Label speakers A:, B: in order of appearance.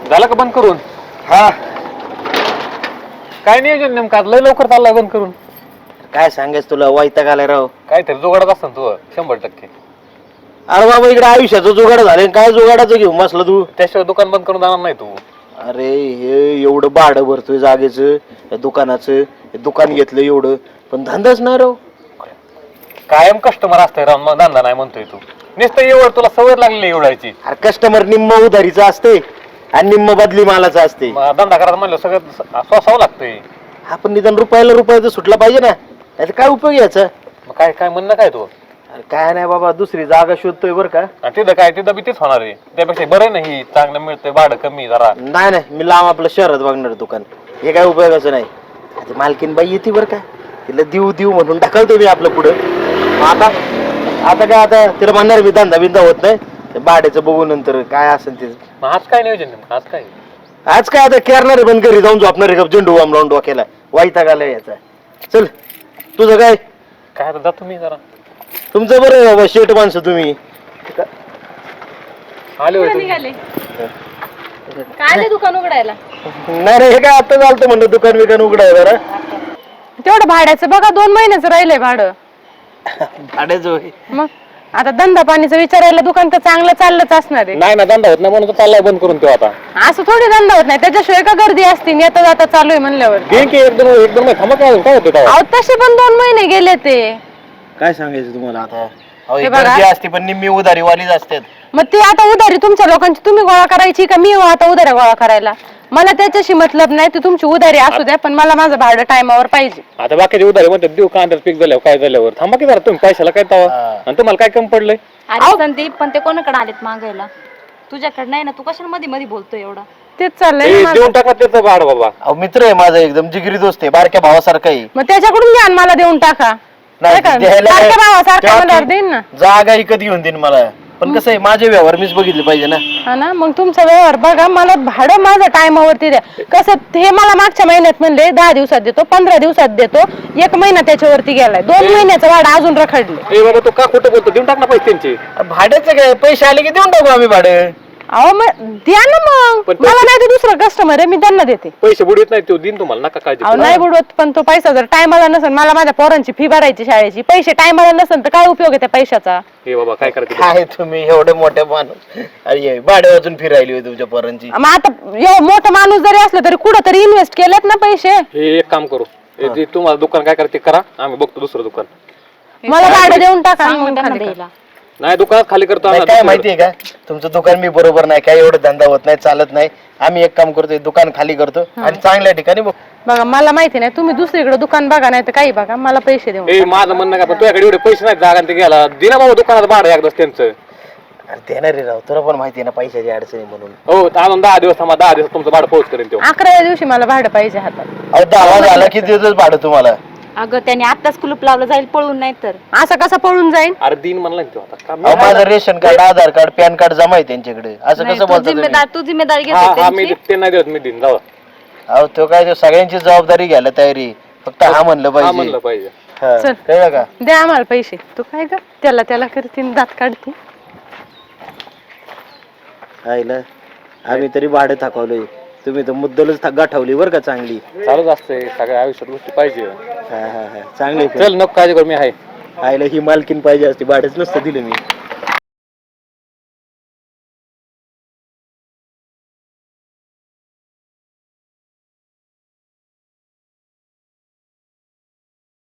A: झालं का बंद करून?
B: हा
A: काय नियोजन नेमकं आज लय लवकर चाललाय बंद करून.
B: काय सांगायच तुला, वैताग आलाय राव.
A: काहीतरी जुगाडत असतं तू 100%.
B: अरे बाबा इकडे आयुष्याचं जुगाड झालं, काय जुगाडाचं घेऊ मसलं तू.
A: त्याशिवाय दुकान बंद करून जाणार नाही तू.
B: अरे हे एवढं भाडं भरतोय जागेचं दुकानाचं, दुकान घेतलं एवढं, पण धंदाच नाही राव.
A: कायम कस्टमर असतंय राव, मग धंदा नाही म्हणतोय तू. नुसतं एवढं तुला सवय लागली एवढायची.
B: अरे कस्टमर निम्म उधारीचं असते आणि निम्म बदली मालाचं असते.
A: धंदा करायला म्हणलं सगळं सोसावं लागतंय.
B: आपण निदान रुपयाला तर सुटला पाहिजे ना, नाही काय उपयोग याचा.
A: मग काय काय म्हणणं काय तू?
B: अरे काय नाही बाबा, दुसरी जागा शोधतोय बरं का.
A: आणि तिथं काय तिथं बी तेच होणार आहे. त्यापेक्षा बरं नाही, चांगलं मिळतंय, भाडं कमी जरा.
B: नाही मी लांब आपलं शहरात बघणार दुकान, हे काय उपयोगाचं नाही. आता मालकीन बाई येते बरं का, तिला देऊ म्हणून ढकलतो मी आपलं पुढं. आता काय आता तिला म्हणणार मी धंदा बिंदा होत नाही, भाड्याचं बघू नंतर काय असेल ते.
A: मग आज काय नियोजन नेमकं?
B: आज काय आता करणार आहे, पण घरी जाऊन झोपणार आहे, झेंडू आमरावून डोक्याला वैताग आलाय याचा. चल तुझं काय?
A: काय आता जातो मी जरा.
B: तुमचं बरं बाबा, शेट माणसं तुम्ही.
A: आले होते
C: निघाले काय दुकान उघडायला?
B: नाही रे, हे काय आता चालतं म्हणलं दुकान बिकान उघडाय जरा.
C: तेवढं भाड्याचं बघा, 2 महिन्याचं राहिलंय भाडं.
B: भाड्याचं होय.
C: मग आता धंदा पाणीचं विचारायला दुकान तर चांगलं चाललंच असणार आहे.
A: नाही ना, धंदा होत नाही म्हणून चाललाय बंद करून तो आता.
C: असं थोडी धंदा होत नाही, त्याच्याशिवाय का गर्दी असते येता जाता चालू आहे म्हणल्यावर.
A: एकदम थांबा. काय होतं
C: अहो तसे पण 2 महिने गेले ते.
B: काय सांगायचं तुम्हाला आता.
C: हे बघा.
B: गर्दी असते पण निम्मी उधारीवालीच असतात.
C: मग ती आता उधारी तुमच्या लोकांची तुम्ही गोळा करायची का मी आता उधाऱ्या गोळा करायला? मला त्याच्याशी मतलब नाही, ती तुमची उधारी असू द्या, पण मला माझं भाडं टायमावर पाहिजे.
A: आता बाकीचे उधारी म्हणतात देऊ, कांद्यात पीक झाल्यावर काय झाल्यावर. थांबा की जरा, तुम्ही पैशाला काय तवा आणि तुम्हाला काय कमी पडलंय?
D: अरे संदीप, पण ते कोणाकडे आलेत मागायला? तुझ्याकडे नाही ना, तू कशाला मध्ये मध्ये बोलतोय एवढा?
C: तेच चाललंय ना माझं.
A: देऊन टाका त्याचं भाड बाबा.
B: अहो मित्र आहे माझा, एकदम जिगरी दोस्त आहे, बारक्या भावासारखा आहे.
C: मग त्याच्याकडून घ्या आणि मला देऊन टाका.
B: नाही,
C: काय
B: द्यायला
C: सारख्या
B: काय-
C: भावासारखा
B: तेव्हा
C: म्हणल्यावर
B: ती
C: देईन ना.
B: जागा विकत घेऊन देईन मला, पण कसं आहे माझे व्यवहार मीच बघितले पाहिजे ना.
C: हा ना, मग तुमचा व्यवहार बघा, मला भाडं माझं टायमावरती द्या. कसं हे मला मागच्या महिन्यात म्हणले 10 दिवसात देतो, 15 दिवसात देतो, 1 महिना त्याच्यावरती गेलाय, 2 महिन्याचं भाडं अजून रखडले.
A: बाबा तू का खोटं बोलतो? देऊन टाक ना पैसे त्यांचे.
B: भाड्याचं काय, पैसे आले की देऊन टाकू आम्ही भाडं.
C: अहो मग द्या ना, मग
A: पण
C: मला नाही तर दुसरं कस्टमर आहे, मी त्यांना देते.
A: पैसे बुडवत नाही, तो दिन तुम्हाला नका काळजी
C: अहो
A: करू.
C: नाही बुडवत, पण तो पैसा जर टायमाला नसेल, मला माझ्या पोरांची फी भरायची शाळेची, पैसे टायमाला नसेल तर काय उपयोग आहे त्या पैशाचा?
A: हे बाबा काय करायचं?
B: काय तुम्ही एवढे मोठे माणूस, अरे भाडे वाजून फिरायली होती तुमच्या पोरांची.
C: मग आता एवढं मोठं माणूस जरी असलं तरी कुठं तरी इन्व्हेस्ट केलेत ना पैसे.
A: हे एक काम करू, हे जे तुम्हाला दुकान काय करायचं ते करा, आम्ही बघतो दुसरं दुकान.
C: मला भाडं देऊन टाका
D: सांग
C: मग
D: मग त्यांना
C: खाली करा.
D: द्यायला.
A: नाही दुकान खाली करतो
B: नाही,
A: आम्ही
B: काय
A: दुसरीकडे.
B: माहितीये का, तुमचं दुकान मी बरोबर नाही, काय एवढं धंदा होत नाही, चालत नाही. आम्ही एक काम करतोय, दुकान खाली करतो आणि चांगल्या ठिकाणी बघ.
C: बघा मला माहिती नाही, तुम्ही दुसरीकडे दुकान बघा, नाही तर काही बघा, मला पैसे देऊन
A: ए माझं म्हणणं काय, पण तुझ्याकडे एवढे पैसे नाही जागा ते घ्यायला. दिना बाबा दुकानात भाडं एकदाच त्यांचं.
B: अरे देणार रे राव, तुला पण माहिती आहे ना पैशाची अडचणी म्हणून.
A: हो तर अजून 10 दिवस थांबा, 10 दिवस तुमचं भाडं पोहोच करेन तो.
C: 11व्या दिवशी मला भाडं पाहिजे हातात.
B: अहो 10 झाला की देतोच भाडं तुम्हाला.
D: अगं त्याने आत्ताच कुलूप लावलं, जाईल पळून, नाही तर.
C: असं कसं पळून जाईन?
A: अरे दिन म्हणला ना तो आता का
B: अहो माझं ration card, Aadhaar card, PAN card जमा आहे त्यांच्याकडे, असं
D: नाही,
B: कसं
D: तू
B: बोलता तुम्ही?
D: तू जिम्मेदारी
A: हा
D: घेतो
A: हा मी
D: त्यांची.
A: ते नाही देत, मी दिन जाऊ.
B: अहो तो काय, तो सगळ्यांची जबाबदारी घ्यायला तयारी, फक्त हा म्हणलं
A: हा म्हणलं
B: पाहिजे.
A: पाहिजे.
B: हा,
C: चल.
B: कळलं का?
C: द्या आम्हाला पैसे. तू काय ग त्याला करते, दात काढते.
B: आईला आम्ही तरी भाडं थकवलंय, तुम्ही तर मुद्दलच गाठवली बरं का चांगली.
A: चालूच असते सगळ्या आयुष्यात गोष्टी पाहिजे.
B: हा चांगली.
A: चल नको काळजी करू, मी आहे.
B: आईला ही मालकीन पाहिजे असते, भाडंच नसतं दिलं मी.